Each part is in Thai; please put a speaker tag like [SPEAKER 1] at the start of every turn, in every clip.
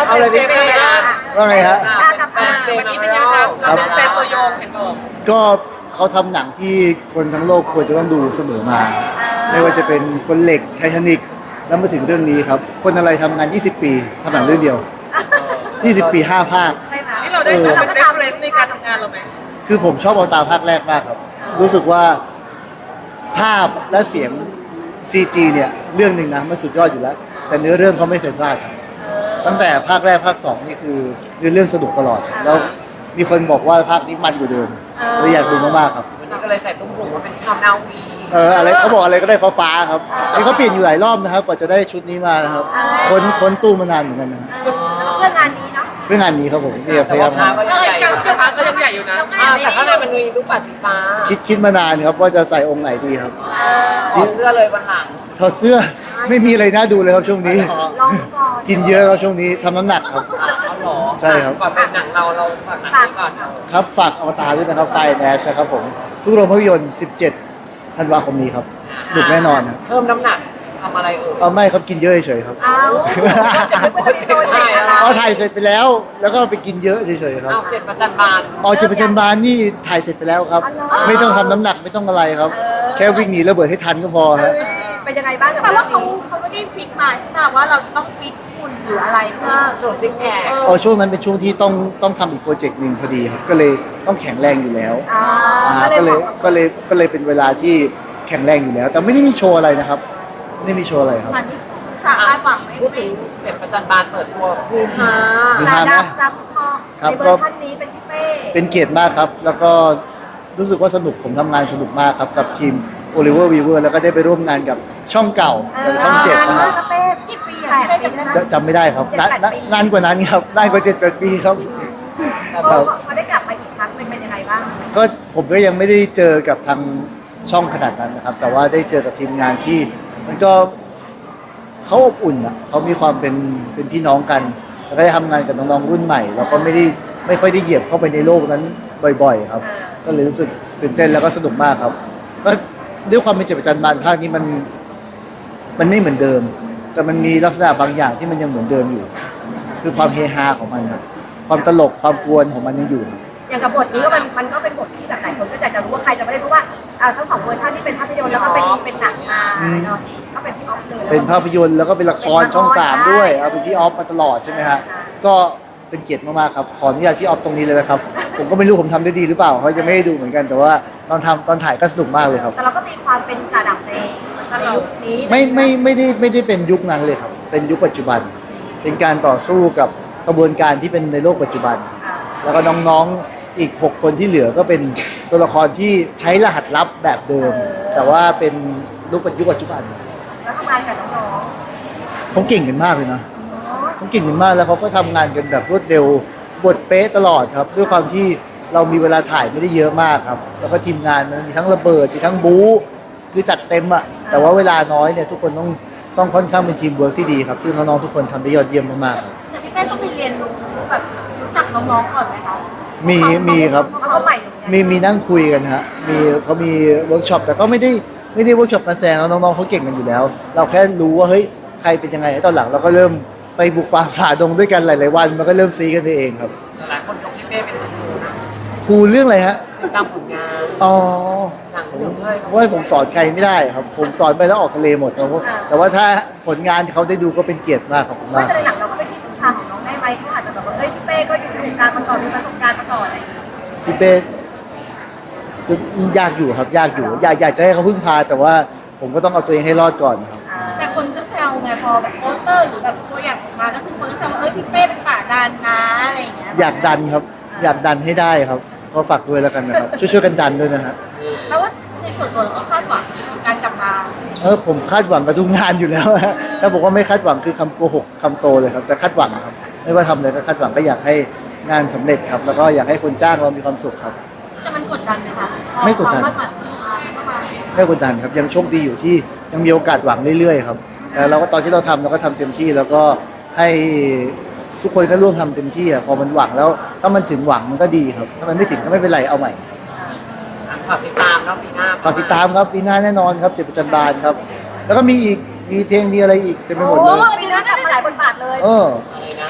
[SPEAKER 1] เอาเลยพี่เป้อะ
[SPEAKER 2] ว่าไงฮะ
[SPEAKER 1] กับวันนี้เป็นยังไงครับเราเป็นแฟนตัวยงเห็นบอก
[SPEAKER 2] ก็เขาทำหนังที่คนทั้งโลกควรจะต้องดูเสมอมา ไม่ว่าจะเป็นคนเหล็กไททานิกแล้วมาถึงเรื่องนี้ครับ คนอะไรทำงาน 20 ปีทำหนังเรื่องเดียว 20 ปี 5 ภาค
[SPEAKER 3] ใช่ไหม
[SPEAKER 1] นี่เราได้เป็นเรฟเฟรนซ์ในการทำงานเราไหม
[SPEAKER 2] คือผมชอบเอาตาภาคแรกมากครับ รู้สึกว่าภาพและเสียง CG เนี่ยเรื่องหนึ่งนะมันสุดยอดอยู่แล้ว แต่เนื้อเรื่องเขาไม่เคยพลาดครับตั้งแต่ภาคแรกภาคสองนี่คือเนื้อเรื่องสนุกตลอด แล้วมีคนบอกว่าภาคนี้มันกว่าเดิมเลยอยากดูมากๆครับ
[SPEAKER 1] วันนี้ก็เลยใส่ตุ้มหูว่าเป็นชาวนาวี
[SPEAKER 2] อะไรเขาบอกอะไรก็ได้ฟ้าๆครับนี่เขาเปลี่ยนอยู่หลายรอบนะครับกว่าจะได้ชุดนี้มานะครับค้นตู้มานานเหมือนกันนะ
[SPEAKER 3] เพื่องานนี้เนาะ
[SPEAKER 2] เพื่องานนี้ครับผมเนี่ยพ
[SPEAKER 1] แต่
[SPEAKER 2] ยายา
[SPEAKER 1] ว่าม พาก็ยังใหญ่อยู่พาก็ยังใหญ่อยู่นะแต่ข้างในมันมีลูกปัดสีฟ้า
[SPEAKER 2] คิดมานานครับว่าจะใส่องค์ไหนดีครับ
[SPEAKER 1] ถอดเสื้อเลยวันหลัง
[SPEAKER 2] ถอดเสื้อไม่มีอะไรน่าดูเลยครับช่วงนี้
[SPEAKER 3] ลองก่อน
[SPEAKER 2] กินเยอะครับช่วงนี้ทำน้ำหนักครับ
[SPEAKER 1] เอาหรอ
[SPEAKER 2] ใช่ครับ
[SPEAKER 1] ก่อนเป็นหนังเราฝากหนังนี้ก่อน
[SPEAKER 2] ครับฝากอวตารด้วยนะครับไฟแนชนะครับผมทุกโรงภาพยนตร์ 17 ธันวาคมนี้ครับหนุกแน่นอนนะ
[SPEAKER 1] เพิ่มน้ำหนักทำอะไรเอ่ย
[SPEAKER 2] เอาไม่ครับกินเยอะเฉยๆครับ
[SPEAKER 3] เอาจะเป็นโปรเจกต์อะไร
[SPEAKER 2] เอาถ่ายเสร็จไปแล้ว แล้วก็ไปกินเยอะเฉยๆครับ
[SPEAKER 1] เอาเจ็ดประจันบาน
[SPEAKER 2] ออกจากประจันบานนี่ถ่ายเสร็จไปแล้วครับ ไม่ต้องทำน้ำหนักไม่ต้องอะไรครับ แค่วิ่งหนีระเบิดให้ทันก็พอครับ
[SPEAKER 3] เป็นยังไงบ้างแต่ว่าเขาไม่ได้ฟิกมาใช่ไหมว่าเราจะต้องฟิตหุ่นหรืออะไรเพื่อ
[SPEAKER 1] โชว์ซิกแพค
[SPEAKER 2] ช่วงนั้นเป็นช่วงที่ต้องทำอีกโปรเจกต์หนึ่งพอดีครับก็เลยต้องแข็งแรงอยู่แล้ว ก็เลยเป็นเวลาที่แข็งแรงอยู่แล้ว แต่ไม่ได้มีโชว์อะไรนะครับไม่ได้มีโชว์อะไรครับ
[SPEAKER 3] ตอนนี้สาคาดหวังไม่
[SPEAKER 1] พูดถึงเจ็ดประจันบานเปิดตัวภูฮา
[SPEAKER 3] จะดับจับพอในเวอร์ชันนี้เป็นพี่เป้
[SPEAKER 2] เป็นเกียรติมากครับ แล้วก็รู้สึกว่าสนุกผมทำงานสนุกมากครับกับทีม Oliver Weaver แล้วก็ได้ไปร่วมงานกับช่องเก่ากับช่องเจ็ดนะค
[SPEAKER 3] ค
[SPEAKER 2] รั
[SPEAKER 3] รั
[SPEAKER 2] บบ
[SPEAKER 3] เป้กี่ปีอะเป้จำได้ไหม
[SPEAKER 2] จำไม่ได้ครับนานกว่านั้นครับนานกว่า7-8 ปีครับ
[SPEAKER 3] พอได้กลับมาอีกครั้งเป็นยังไงบ้าง
[SPEAKER 2] ก็ผมก็ยังไม่ได้เจอกับทางช่องขนาดนั้นนะครับ แต่ว่าได้เจอกับทีมงานที่มันก็เขาอบอุ่นอ่ะเขามีความเป็นพี่น้องกัน แล้วก็ได้ทำงานกับน้องๆรุ่นใหม่แล้วก็ไม่ค่อยได้เหยียบเข้าไปในโลกนั้นบ่อยๆครับ ก็เลยรู้สึกตื่นเต้นแล้วก็สนุกมากครับ ก็ด้วยความเป็นเจ็ดประจันบานภาคนี้มันไม่เหมือนเดิม แต่มันมีลักษณะบางอย่างที่มันยังเหมือนเดิมอยู่ คือความเฮฮาของมันครับความตลกความกวนของมันยังอยู่ครับ
[SPEAKER 3] อย่างกับบทนี้ก็มันก็เป็นบทที่แบบหลายคนก็อยากจะรู้ว่าใครจะไม่ได้เพราะว่าทั้งสองเวอร์ชันที่เป็นภาพยนตร์แล้วก็เป็นหนังมาเนาะก็เป็นพี่ออฟเลย
[SPEAKER 2] เป็นภาพยนตร์แล้วก็เป็นละครช่อง3ด้วยเอาเป็นพี่ออฟมาตลอดใช่ไหมฮะก็เป็นเกียรติมากๆครับขออนุญาตพี่ออฟตรงนี้เลยนะครับ ผมก็ไม่รู้ผมทำได้ดีหรือเปล่าเขาจะไม่ให้ดูเหมือนกันแต่ว่าตอนถ่ายก็สนุกมากเลยครับ
[SPEAKER 3] แต่เราก็ตีความเป็นจ่าดับในยุคนี้
[SPEAKER 2] ไม่ได้เป็นยุคนั้นเลยครับ เป็นยุคปัจจุบัน เป็นการต่อสู้กับกระบวนการที่เป็นในโลกปัจจุบัน แล้วก็น้องๆอีก6คนที่เหลือก็เป็นตัวละครที่ใช้รหัสลับแบบเดิม แต่ว่าเป็นยุคปัจจุบัน
[SPEAKER 3] แล้วทำงานกับน้อง
[SPEAKER 2] เขาเก่งกันมากเลยนะเขาเก่งกันมากแล้วเขาก็ทำงานกันแบบรวดเร็วบทเป๊ะตลอดครับ ด้วยความที่เรามีเวลาถ่ายไม่ได้เยอะมากครับ แล้วก็ทีมงานมันมีทั้งระเบิดมีทั้งบู๊คือจัดเต็มอะแต่ว่าเวลาน้อยเนี่ยทุกคนต้องค่อนข้างเป็นทีมเวิร์กที่ดีครับซึ่งน้องๆทุกคนทำได้ยอดเยี่ยมมากๆครับ
[SPEAKER 3] ๆแต่พี่เป้ต้องไปเรียนรู้แบบรู้จักน้องๆก่อนไหมคะ
[SPEAKER 2] มีครับ
[SPEAKER 3] เพราะเขาใหม่อยู่ไง
[SPEAKER 2] มีนั่งคุยกันฮะเขามีเวิร์กช็อปแต่ก็ไม่ได้เวิร์กช็อปมาแซงแล้วน้องๆเขาเก่งกันอยู่แล้ว เราแค่รู้ว่าเฮ้ยใครเป็นยังไงตอนหลังเราก็เริ่มไปบุกป่าฝ่าดงด้วยกันหลายๆวันมันก็เริ่มซีกันไปเองครับ
[SPEAKER 1] หลายคนยกพี่เป้เป็นครูนะ
[SPEAKER 2] ครูเรื่องอะไรฮะ
[SPEAKER 1] ติดตามผลงาน
[SPEAKER 2] อ๋อ
[SPEAKER 1] หนังหนุ่มเลย
[SPEAKER 2] ว่าผมสอนใครไม่ได้ครับ ผมสอนไปแล้วออกทะเลหมดนะแต่ว่าถ้าผลงานเขาได้ดูก็เป็นเกียรติมากขอบคุณ
[SPEAKER 3] ว่า
[SPEAKER 2] มาก
[SPEAKER 3] แต่ในหนังเราก็เป็นที่พึ่งพาของน้องได้ไหมเขาอาจจะแบบว่าเฮ้ยพี่เป้ก็อยู่ในวงการมาก่อนมีประสบการณ์มาก่อนอะไรอย่างเงี้ย
[SPEAKER 2] พี่เป้ก็ยากอยู่ครับยากอยู่อยากจะให้เขาพึ่งพา แต่ว่าผมก็ต้องเอาตัวเองให้รอดก่อนนะครับ
[SPEAKER 4] แต่คนก็แซวไงพอแบบโปสเตอร์หรือแบบตัวอย่างออกมาก็คือคนก็แซวว่าเอ้ยพี่เป้เป็นป่าดันนะอะไรอย่างเงี้ย
[SPEAKER 2] อยากดันครับ อยากดันให้ได้ครับก็ฝากด้วยแล้วกันนะครับ ช่วยกันดันด้วยนะฮะ
[SPEAKER 4] แล้วว่าในส่วนตัวเราก็คาดหวังกับการกลับมา
[SPEAKER 2] ผมคาดหวังกับทุกงานอยู่แล้วฮะถ้าบอกว่าไม่คาดหวังคือคำโกหกคำโตเลยครับแต่คาดหวังครับ ไม่ว่าทำอะไรก็คาดหวังก็อยากให้งานสำเร็จครับ แล้วก็อยากให้คนจ้างเรามีความสุขครับ
[SPEAKER 4] แต่มันกดดันไหมคะ
[SPEAKER 2] ไม่กดดัน
[SPEAKER 4] ความคาดหวังมันก็มา
[SPEAKER 2] ไม่กดดันครับยังโชคดีอยู่ที่ยังมีโอกาสหวังเรื่อยๆครับแต่เราก็ตอนที่เราทำเราก็ทำเต็มที่แล้วก็ให้ทุกคนก็ร่วมทำเต็มที่อะพอมันหวังแล้วถ้ามันถึงหวังมันก็ดีครับถ้ามันไม่ถึงก็ไม่เป็นไรเอาใหม่
[SPEAKER 1] ฝากติดตามเนาะปีหน้า
[SPEAKER 2] ฝากติดตามครับปีหน้าแน่นอนครับเจ็ดประจันบานครับ แล้วก็มีอีกมีเพลงมีอะไรอีกเต็มไปหมดเลย
[SPEAKER 3] มีเรื่องกลับมาหลายบทบาทเลย
[SPEAKER 2] เออ
[SPEAKER 1] อะไรนะ
[SPEAKER 3] เพ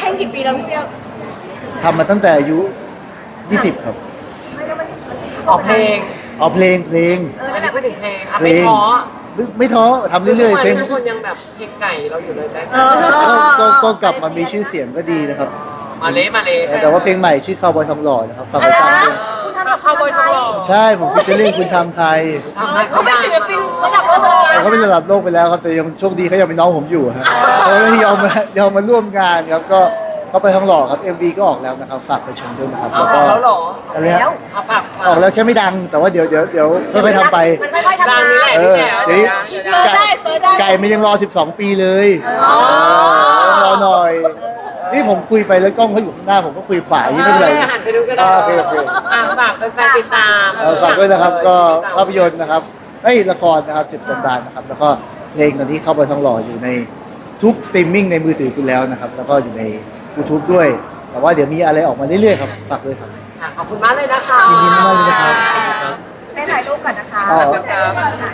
[SPEAKER 4] งกี่ปีแล้วพี่เปี้ยว
[SPEAKER 2] ทำมาตั้งแต่อายุ 20 ครับ
[SPEAKER 3] ไม่แล้วมัน
[SPEAKER 1] ออกเพลง
[SPEAKER 2] เอาเพลง
[SPEAKER 1] อันนี้พูดถึงเพลงอ่ะ
[SPEAKER 2] เพล
[SPEAKER 1] ไม่
[SPEAKER 2] ง
[SPEAKER 1] ท้อ
[SPEAKER 2] ไม่ท้อทำเรื่อยๆเพลง
[SPEAKER 1] ทุกคนยังแบบเพลงไก่เราอยู่เลยแต่
[SPEAKER 2] ก็กลับมามีชื่อเสียงก็ดีนะครับ
[SPEAKER 1] มาเลยมาเลย
[SPEAKER 2] แต่ว่าเพลงใหม่ชื่อคาวบอยทองหล่อนะครับฝากไปฟังด้วย
[SPEAKER 3] คุณทำกับ
[SPEAKER 1] เข้าบอยทองหล่อ
[SPEAKER 2] ใช่ผมฟิชเชอร์ลิงคุณทำไทย
[SPEAKER 1] ทำให้
[SPEAKER 4] เขา
[SPEAKER 1] เขา
[SPEAKER 4] เป็น
[SPEAKER 1] ดัง
[SPEAKER 4] ศิลปินระดับโลกเลย
[SPEAKER 2] แต่
[SPEAKER 4] นะ
[SPEAKER 2] เขาเป็นระดับโลกไปแล้วครับแต่ยังโชคดีเขายังเป็นน้องผมอยู่ฮะเขาเลยยอมมาร่วมงานครับก็เขาไปทองหล่อครับ MV ก็ออกแล้วนะครับฝากไปชมด้วยนะครับ
[SPEAKER 1] เอา
[SPEAKER 2] แล้วก็
[SPEAKER 1] แล้วเหรอ
[SPEAKER 2] อะไรฮะ
[SPEAKER 1] เอาฝาก
[SPEAKER 2] ออกแล้วแค่ไม่ดัง แต่ว่าเดี๋ยวค่อยๆทำไป
[SPEAKER 3] มันค่อยๆทำ
[SPEAKER 1] ดัง
[SPEAKER 3] งา
[SPEAKER 1] นี่แหละ
[SPEAKER 3] น
[SPEAKER 2] เอ
[SPEAKER 1] นี่
[SPEAKER 2] อ
[SPEAKER 1] แหละ
[SPEAKER 2] เดี๋ยว
[SPEAKER 4] เซิร์ชได้
[SPEAKER 2] ไก่มันยังรอ 12 ปีเลยต้องรอหน่อย นี่ผมคุยไปแล้วกล้องเขาอยู่ข้างหน้าผมก็คุยขวาอย่างนี้ไม่เป็นไร
[SPEAKER 1] หันไปดูก็ได้
[SPEAKER 2] โอเค
[SPEAKER 1] ฝากแฟนๆติดตาม
[SPEAKER 2] ฝากด้วยนะครับก็ภาพยนตร์นะครับละครนะครับเจ็บจำบานนะครับแล้วก็เพลงตอนนี้เข้าไปทองหล่ออยู่ในทุกสตรีมมิ่งในมือถือคุณแล้วนะครับแล้วก็อยู่ใน YouTube ด้วย แต่ว่าเดี๋ยวมีอะไรออกมาเรื่อยๆครับฝากด้วยครับ
[SPEAKER 1] ขอบคุณมากเลยนะคะ
[SPEAKER 2] ยินดีมากเลยนะครับ
[SPEAKER 3] ให้ถ่ายรูปก่อนนะคะ
[SPEAKER 2] อ๋อ
[SPEAKER 1] ครับ